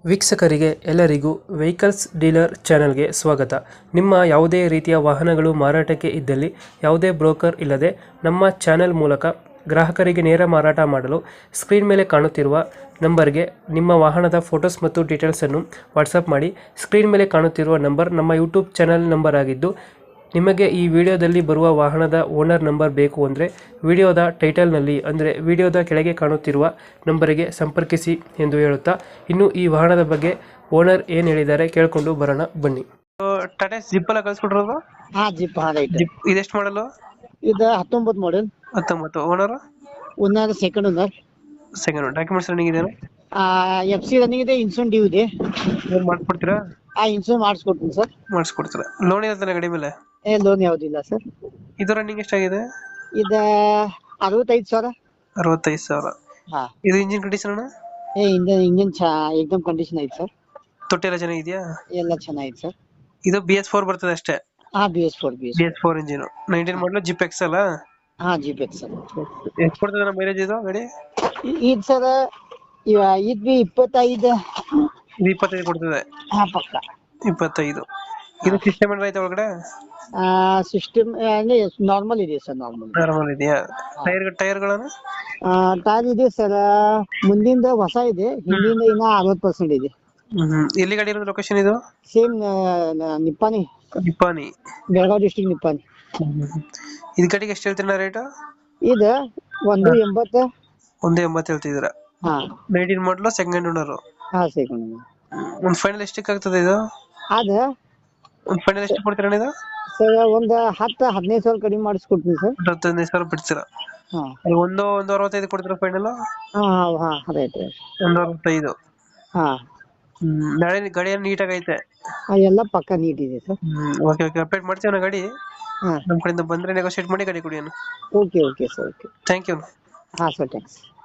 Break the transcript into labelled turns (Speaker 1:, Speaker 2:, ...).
Speaker 1: ವೀಕ್ಷಕರಿಗೆ ಎಲ್ಲರಿಗೂ vehicles dealer ಚಾನೆಲ್ಗೆ ಸ್ವಾಗತ. ನಿಮ್ಮ ಯಾವುದೇ ರೀತಿಯ ವಾಹನಗಳು ಮಾರಾಟಕ್ಕೆ ಇದ್ದಲ್ಲಿ ಯಾವುದೇ ಬ್ರೋಕರ್ ಇಲ್ಲದೆ ನಮ್ಮ ಚಾನೆಲ್ ಮೂಲಕ ಗ್ರಾಹಕರಿಗೆ ನೇರ ಮಾರಾಟ ಮಾಡಲು ಸ್ಕ್ರೀನ್ ಮೇಲೆ ಕಾಣುತ್ತಿರುವ ನಂಬರ್ಗೆ ನಿಮ್ಮ ವಾಹನದ ಫೋಟೋಸ್ ಮತ್ತು ಡೀಟೇಲ್ಸನ್ನು ವಾಟ್ಸಪ್ ಮಾಡಿ. ಸ್ಕ್ರೀನ್ ಮೇಲೆ ಕಾಣುತ್ತಿರುವ ನಂಬರ್ ನಮ್ಮ ಯೂಟ್ಯೂಬ್ ಚಾನೆಲ್ ನಂಬರ್ ಆಗಿದ್ದು, ನಿಮಗೆ ಈ ವಿಡಿಯೋದಲ್ಲಿ ಬರುವ ವಾಹನದ ಓನರ್ ನಂಬರ್ ಬೇಕು ಅಂದರೆ ವಿಡಿಯೋದ ಟೈಟಲ್ನಲ್ಲಿ ಅಂದರೆ ವಿಡಿಯೋದ ಕೆಳಗೆ ಕಾಣುತ್ತಿರುವ ನಂಬರಿಗೆ ಸಂಪರ್ಕಿಸಿ ಎಂದು ಹೇಳುತ್ತಾ, ಇನ್ನು ಈ ವಾಹನದ ಬಗ್ಗೆ ಓನರ್ ಏನು ಹೇಳಿದ್ದಾರೆ ಕೇಳಿಕೊಂಡು ಬರೋಣ ಬನ್ನಿ. ಟಾಟಾ ಜಿಪ್ ಎಲ್ಲ ಕಳ್ಸ್ಕೊಟ್ರದು?
Speaker 2: ಹಾ ಜಿಪ್ ರೈಟ್.
Speaker 1: ಜಿಪ್ ಇದೆಷ್ಟು ಮಾಡಲು?
Speaker 2: ಇದು 19 model.
Speaker 1: 19. Owner?
Speaker 2: Owner second owner.
Speaker 1: Second. Documents running ಇದೆಯಾ?
Speaker 2: FC ರನ್ನಿಂಗ್ ಇದೆ, ಇನ್ಸೂರೆನ್ಸ್ ಡ್ಯೂ ಇದೆ.
Speaker 1: ಏನು ಮಾಡ್ಕೊಡ್ತೀರಾ?
Speaker 2: ಇನ್ಸೂರೆನ್ಸ್ ಮಾಡಿಸ್ಕೊಡ್ತೀನಿ ಸರ್.
Speaker 1: ಮಾಡಿಸ್ಕೊಡ್ತೀರಾ? ಲೋನ್ ಇರುತ್ತೆ ಗಾಡಿ ಮೇಲೆ?
Speaker 2: ಲೋನ್ ಯಾವುದಿಲ್ಲ ಸರ್.
Speaker 1: ಇದು ರನ್ನಿಂಗ್ ಎಷ್ಟಾಗಿದೆ?
Speaker 2: ಇದು 65,000.
Speaker 1: 65,000.
Speaker 2: ಹಾ.
Speaker 1: ಇದು ಇಂಜಿನ್ ಕಂಡೀಷನ್ ಅಣ್ಣ?
Speaker 2: ಇಂಜಿನ್ ಏಕದಮ್ ಕಂಡೀಷನ್ ಐತೆ ಸರ್.
Speaker 1: ತೊಟ್ಟಿ ಎಲ್ಲ ಚೆನ್ನಾಗಿದೆಯಾ?
Speaker 2: ಎಲ್ಲ ಚೆನ್ನಾಗಿದೆ ಸರ್.
Speaker 1: ಇದು BS4 ಬರ್ತದೆ ಅಷ್ಟೇ?
Speaker 2: ಹಾ BS4.
Speaker 1: BS4 ಇಂಜಿನ್ 19 ಮಾಡಲು ಜಿಪ್ ಎಕ್ಸ್ ಅಲ್ಲ?
Speaker 2: ಹಾ ಜಿಪ್ ಎಕ್ಸ್ ಸರ್.
Speaker 1: ಎಷ್ಟು ಕೊಡ್ತದೆ ನಮ್ಮ ಮೈಲೇಜ್ ಇದು ಗಾಡಿ?
Speaker 2: ಇದು ಸರ್ ಇದು ಬಿ 25.
Speaker 1: ಇದು 25 ಕೊಡ್ತದೆ?
Speaker 2: ಹಾ ಪಕ್ಕ
Speaker 1: 25. ಇದು ಸಿಸ್ಟಮ್ ಏನಾರ ಐತೆ ಒಳಗಡೆ?
Speaker 2: ಸಿಸ್ಟಮ್ ನಾರ್ಮಲ್ ಇದೆ ಸರ್.
Speaker 1: ನಾರ್ಮಲ್ ಇದೆಯಾ? ಟೈರ್ಗಳನ್ನು?
Speaker 2: ಟೈರ್ ಇದೆ ಸರ್. ಮುಂದಿಂದ ಹೊಸ ಇದೆ, ಹಿಂದಿಂದ ಇನ್ನ 60% ಇದೆ.
Speaker 1: ಎಲ್ಲಿ ಗಾಡಿ ಇರೋದು? ಲೊಕೇಶನ್ ಇದು?
Speaker 2: ಸೇಮ್ ನಿಪ್ಪಾನಿ. ಬೆಳಗಾವಿ ಡಿಸ್ಟ್ರಿಕ್ಟ್ ನಿಪ್ಪಾನಿ.
Speaker 1: ಇದು ಗಾಡಿಗೆ ಎಷ್ಟು ಹೇಳ್ತೀರಾ ರೇಟ್?
Speaker 2: ಇದು 180.
Speaker 1: 180 ಹೇಳ್ತಿದ್ದೀರಾ?
Speaker 2: ಹಾ.
Speaker 1: 19 ಮಾಡಲು ಸೆಕೆಂಡ್ ಓನರ್?
Speaker 2: ಹಾ ಸೆಕೆಂಡ್.
Speaker 1: ಒಂದು ಫೈನಲ್ ಎಷ್ಟಕ್ಕೆ ಆಗ್ತದೆ ಇದು?
Speaker 2: ಅದ
Speaker 1: ಒಂದು ಫೈನಲ್ ಎಷ್ಟು ಕೊಡ್ತೀರಾ ಇದು?
Speaker 2: ಸರ್ ಒಂದು 10-15,000 ಕಡಿಮೆ ಮಾಡಿಸ್ಕೊಡ್ತೀನಿ ಸರ್.
Speaker 1: 15,000 ಬಿಡ್ತೀರಾ?
Speaker 2: ಹಾ.
Speaker 1: ಅಲ್ಲಿ 165 ಕೊಡ್ತೀರಾ ಫೈನಲ್?
Speaker 2: ಹಾ ರೈಟ್.
Speaker 1: 165.
Speaker 2: ಹಾ.
Speaker 1: ಗಾಡಿಯನ್ನು ನೀಟಾಗಿ ಐತೆ?
Speaker 2: ಎಲ್ಲ ಪಕ್ಕ ನೀಟ್ ಇದೆ ಸರ್.
Speaker 1: ಓಕೆ ಅಪ್ಡೇಟ್ ಮಾಡ್ತೀವಿ ನಾ ಗಾಡಿ.
Speaker 2: ಹಾ.
Speaker 1: ನಮ್ಮ ಕಡೆಯಿಂದ ಬಂದ್ರೆ ನೆಗೋಶಿಯೇಟ್ ಮಾಡಿ ಗಾಡಿ ಕೊಡಿ ಅಣ್ಣ.
Speaker 2: Okay sir. Okay.
Speaker 1: Thank you.
Speaker 2: ಹಾ ಸರ್, ಥ್ಯಾಂಕ್ಸ್.